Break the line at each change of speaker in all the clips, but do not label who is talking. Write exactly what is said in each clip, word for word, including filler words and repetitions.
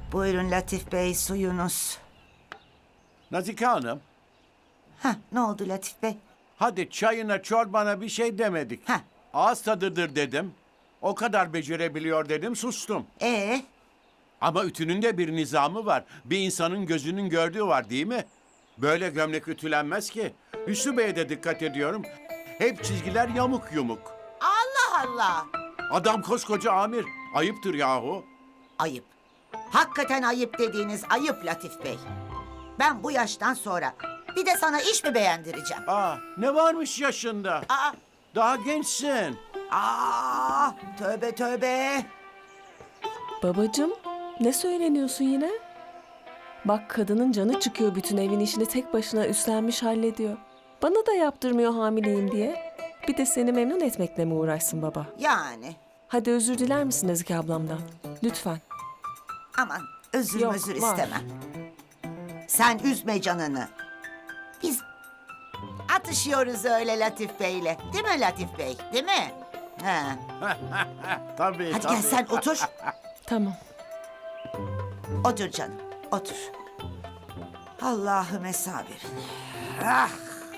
Buyurun Latif Bey, suyunuz.
Nazike Hanım,
Heh, ne oldu Latif Bey?
hadi çayına çorbana bir şey demedik.
Heh.
Ağız tadıdır dedim. O kadar becerebiliyor dedim, sustum.
Ee,
Ama ütünün de bir nizamı var. Bir insanın gözünün gördüğü var değil mi? Böyle gömlek ütülenmez ki. Hüsnü Bey'e de dikkat ediyorum. Hep çizgiler yamuk yumuk.
Allah Allah.
Adam koskoca amir. Ayıptır yahu.
Ayıp. Hakikaten ayıp dediğiniz ayıp Latif Bey. Ben bu yaştan sonra bir de sana iş mi beğendireceğim?
Aa, ne varmış yaşında?
Aa,
Daha gençsin.
aa, tövbe tövbe.
Babacığım, ne söyleniyorsun yine? Bak kadının canı çıkıyor, bütün evin işini tek başına üstlenmiş hallediyor. Bana da yaptırmıyor hamileyim diye. Bir de seni memnun etmekle mi uğraşsın baba?
Yani
Hadi özür diler misin Nezike ablamdan? Lütfen.
aman özür
Yok,
özür
var.
istemem. Sen üzme canını. Biz atışıyoruz öyle Latif Bey'le. Değil mi Latif Bey? Değil mi? He.
Tabii,
Hadi
tabii.
gel sen otur.
Tamam.
Otur canım, otur. Allah'ım sabir. Ah!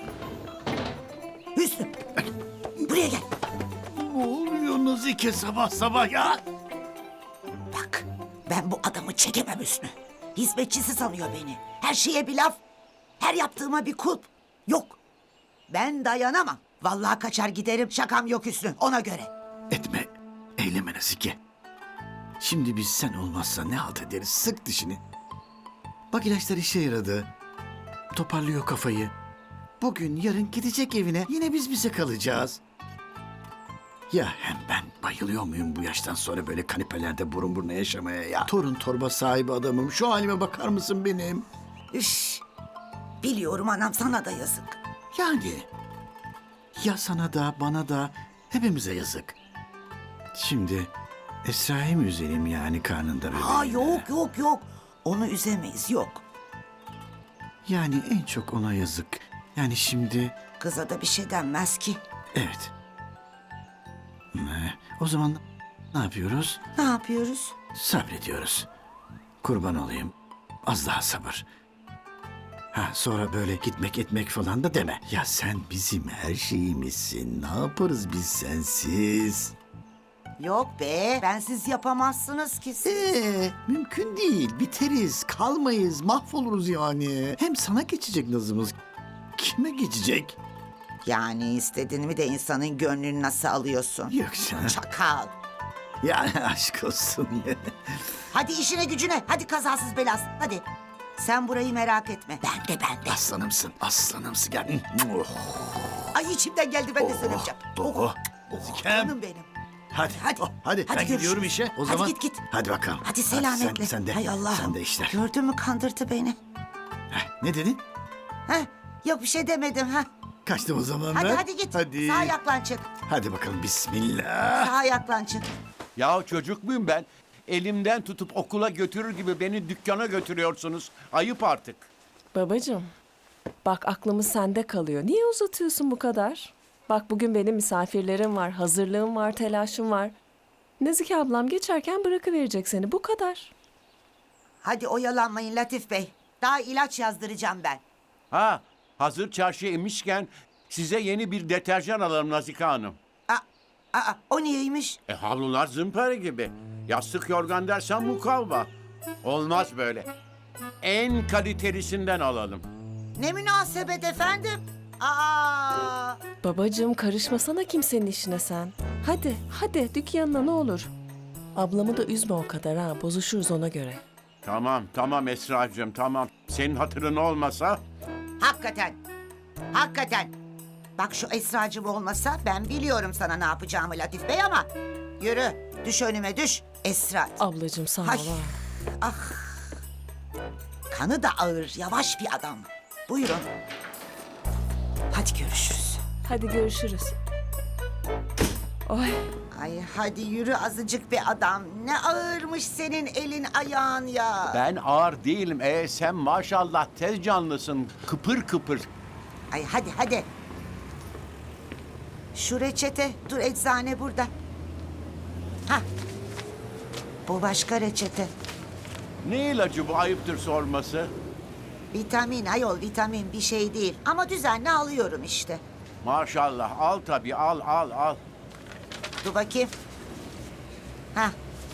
Hüsnü, buraya gel.
Ne oluyor Nazike sabah sabah ya?
Bak, ben bu adamı çekemem Hüsnü. Hizmetçisi sanıyor beni. Her şeye bir laf, her yaptığıma bir kulp. Yok, ben dayanamam. Vallahi kaçar giderim, şakam yok Hüsnü, ona göre.
Etme, eyleme Nazike. Şimdi biz sen olmazsa ne halt ederiz? Sık dişini. Bak ilaçlar işe yaradı. Toparlıyor kafayı. Bugün yarın gidecek evine. Yine biz bize kalacağız. Ya hem ben bayılıyor muyum bu yaştan sonra böyle kanepelerde burun buruna yaşamaya ya? Torun torba sahibi adamım. Şu halime bakar mısın benim?
Üş, biliyorum anam, sana da yazık.
Yani ya sana da bana da hepimize yazık. Şimdi Esra'yı mı üzelim yani karnında bebeğiyle?
Ha yok yok yok, onu üzemeyiz, yok.
Yani en çok ona yazık. Yani şimdi
Kıza da bir şey denmez ki.
evet. Ne? O zaman ne yapıyoruz?
Ne yapıyoruz?
Sabrediyoruz. Kurban olayım. Az daha sabır. Ha sonra böyle gitmek etmek falan da deme. Ya sen bizim her şeyimizsin. Ne yaparız biz sensiz?
Yok be, bensiz yapamazsınız ki siz.
Ee, mümkün değil. Biteriz, kalmayız, mahvoluruz yani. Hem sana geçecek nazımız. Kime geçecek?
Yani istediğini mi de insanın gönlünü nasıl alıyorsun?
Yok canım.
Çakal.
Yani aşk olsun ya.
Hadi işine gücüne, hadi kazasız belasız, hadi. Sen burayı merak etme, ben de ben de.
Aslanımsın, aslanımsın. Gel. Oh,
Ay içimden geldi, ben de
oh,
söyleyeceğim.
oh. Zikem.
Canım benim.
Hadi,
Hadi,
oh, hadi,
hadi
ben gidiyorum
görüşürüz.
işe. O
Hadi
zaman
git, git.
Hadi bakalım.
Hadi selametle.
sen, sen de.
Hay Allah.
Sen de işler.
Gördün mü, kandırdı beni.
Heh, ne dedin?
Heh, yok bir şey demedim ha.
Kaçtım o zaman
Hadi
ben.
hadi git.
Hadi.
Sağ ayaklan çık.
Hadi bakalım bismillah.
Sağ ayaklan çık.
Ya çocuk muyum ben? Elimden tutup okula götürür gibi beni dükkana götürüyorsunuz. Ayıp artık.
Babacığım, bak aklımız sende kalıyor. Niye uzatıyorsun bu kadar? Bak bugün benim misafirlerim var, hazırlığım var, telaşım var. Nezike ablam geçerken bırakıverecek seni, bu kadar.
Hadi oyalanmayın Latif Bey. Daha ilaç yazdıracağım ben.
Ha, hazır çarşıya inmişken size yeni bir deterjan alalım Nazike Hanım.
Aa, aa, o niyeymiş?
E havlular zımpara gibi. Yastık yorgan dersen mukavva. Olmaz böyle. En kalitelisinden alalım.
Ne münasebet efendim? Aa,
Babacığım karışmasana kimsenin işine sen. Hadi, hadi dükkanına ne olur. Ablamı da üzme o kadar ha, bozuşuruz ona göre.
Tamam, tamam Esra'cığım, tamam. Senin hatırın olmasa...
hakikaten. Hakikaten. Bak şu Esracığım olmasa ben biliyorum sana ne yapacağımı Latif Bey ama... Yürü, düş önüme düş. Esra.
Ablacığım sağ ol
Ay.
ha.
Kanı da ağır, yavaş bir adam. Buyurun. Hadi görüşürüz.
Hadi görüşürüz. Oy.
Ay hadi yürü azıcık bir adam. Ne ağırmış senin elin ayağın ya.
Ben ağır değilim. E sen maşallah tez canlısın. Kıpır kıpır.
Ay hadi hadi. Şu reçete, dur eczane burada. Ha. Bu başka reçete.
Ne ilacı bu, ayıptır sorması?
Vitamin ayol, vitamin bir şey değil. Ama düzenli alıyorum işte.
Maşallah, al tabii, al al al.
Dur bakayım. Hah.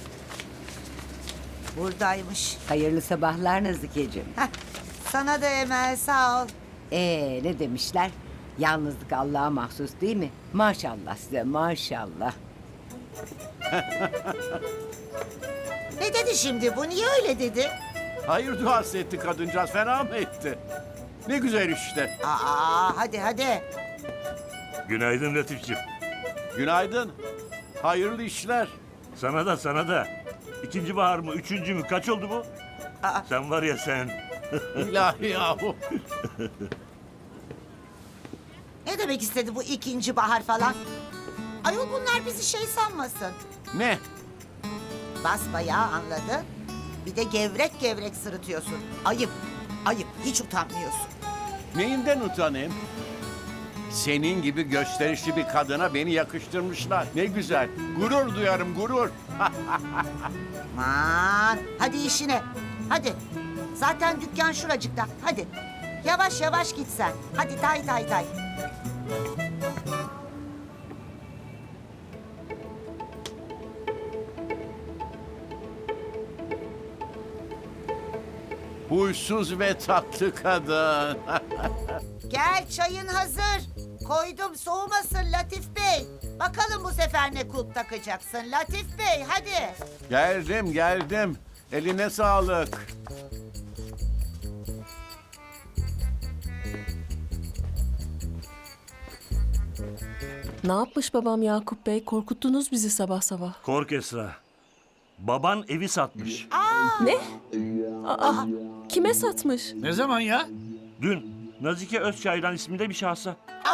Buradaymış.
Hayırlı sabahlar Nazikeciğim.
Heh. Sana da Emel, sağ ol.
Ee ne demişler? Yalnızlık Allah'a mahsus değil mi? Maşallah size maşallah.
Ne dedi şimdi bu? Niye öyle dedi?
Hayır duası etti kadıncağız, fena mı etti? Ne güzel işte.
Aa, hadi hadi.
Günaydın Latifciğim.
Günaydın. Hayırlı işler.
Sana da sana da. İkinci bahar mı, üçüncü mü? Kaç oldu bu?
Aa.
Sen var ya sen.
İlahi yahu.
Ne demek istedi bu ikinci bahar falan? Ayol bunlar bizi şey sanmasın.
Ne?
Basbayağı anladı. Bir de gevrek gevrek sırıtıyorsun. Ayıp, ayıp. Hiç utanmıyorsun.
Neyinden utanayım? Senin gibi gösterişli bir kadına beni yakıştırmışlar. Ne güzel. Gurur duyarım, gurur.
Aman, hadi işine. Hadi. Zaten dükkan şuracıkta. Hadi. Yavaş yavaş git sen. Hadi tay tay tay.
Huysuz ve tatlı kadın.
Gel, çayın hazır. Koydum, soğumasın Latif Bey. Bakalım bu sefer ne kulp takacaksın Latif Bey, hadi.
Geldim, geldim. Eline sağlık.
Ne yapmış babam Yakup Bey? Korkuttunuz bizi sabah sabah.
Kork Esra. Baban evi satmış.
Ne? Aa, kime satmış?
Ne zaman ya?
Dün Nazike Özçaylan isminde bir şahsa.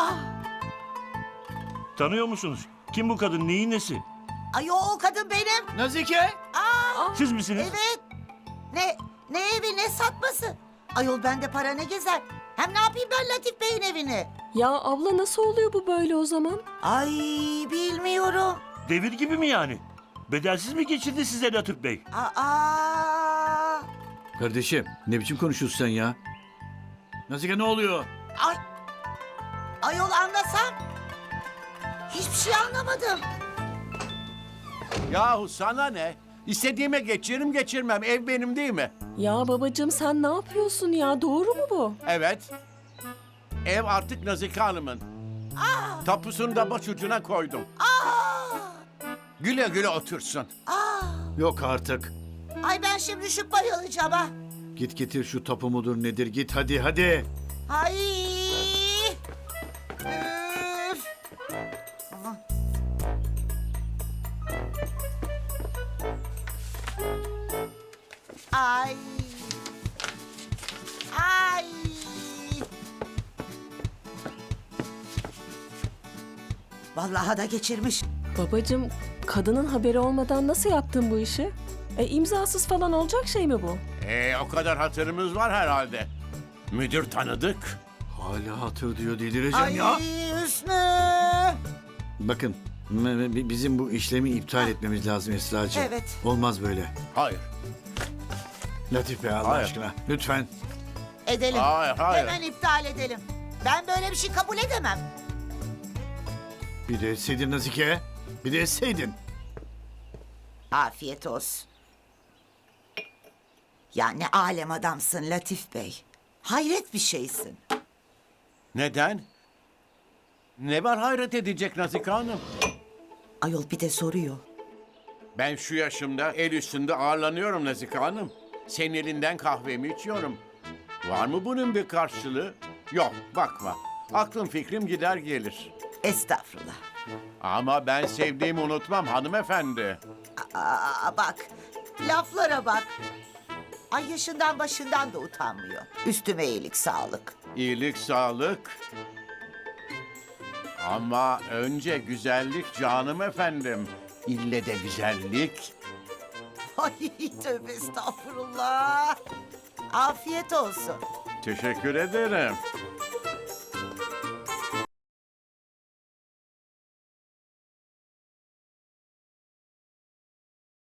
Tanıyor musunuz? Kim bu kadın? Neyin nesi?
Ay o kadın benim.
Nazike?
Siz misiniz?
Evet. Ne, ne evi ne satması? Ayol bende para ne gezer? Hem ne yapayım ben Latif Bey'in evini?
Ya abla nasıl oluyor bu böyle o zaman?
Ay bilmiyorum.
Devir gibi mi yani? Bedelsiz mi geçirdi size Latif Bey?
Aa,
Kardeşim ne biçim konuşuyorsun sen ya? Nazike ne oluyor?
ay, ayol anlasam. Hiçbir şey anlamadım.
Yahu sana ne? İstediğime geçiririm geçirmem. Ev benim değil mi?
Ya babacığım sen ne yapıyorsun ya? Doğru mu bu?
Evet. Ev artık Nazike Hanım'ın. Tapusunu da başucuna koydum. Güle güle otursun.
Yok artık.
Ay ben şimdi şu bayılacağım ha.
Git getir şu tapu mudur nedir git hadi hadi.
Ay. Üf. Aman. Ay. Ay. Vallahi da geçirmiş.
Babacığım kadının haberi olmadan nasıl yaptın bu işi? E imzasız falan olacak şey mi bu?
Ee, o kadar hatırımız var herhalde. Müdür tanıdık.
Hala hatır diyor delireceğim
Ay
ya.
Hüsnü.
Bakın m- m- bizim bu işlemi iptal etmemiz lazım Esra'cığım.
Evet.
Olmaz böyle.
Hayır.
Latif Bey Allah
Hayır.
aşkına lütfen.
Edelim.
Hayır, hayır.
Hemen iptal edelim. Ben böyle bir şey kabul edemem.
Bir de etseydin Nazike. Bir de etseydin.
Afiyet olsun. Ya ne alem adamsın Latif Bey. Hayret bir şeysin.
Neden? Ne var hayret edecek Nazike Hanım?
Ayol bir de soruyor.
Ben şu yaşımda el üstünde ağırlanıyorum Nazike Hanım. Senin elinden kahvemi içiyorum. Var mı bunun bir karşılığı? Yok, bakma. Aklım fikrim gider gelir.
Estağfurullah.
Ama ben sevdiğimi unutmam hanımefendi.
Aa, bak. Laflara bak. Ay yaşından başından da utanmıyor. Üstüme iyilik sağlık.
İyilik, sağlık. Ama önce güzellik canım efendim. İlle de güzellik.
Ay tövbe estağfurullah. Afiyet olsun.
Teşekkür ederim.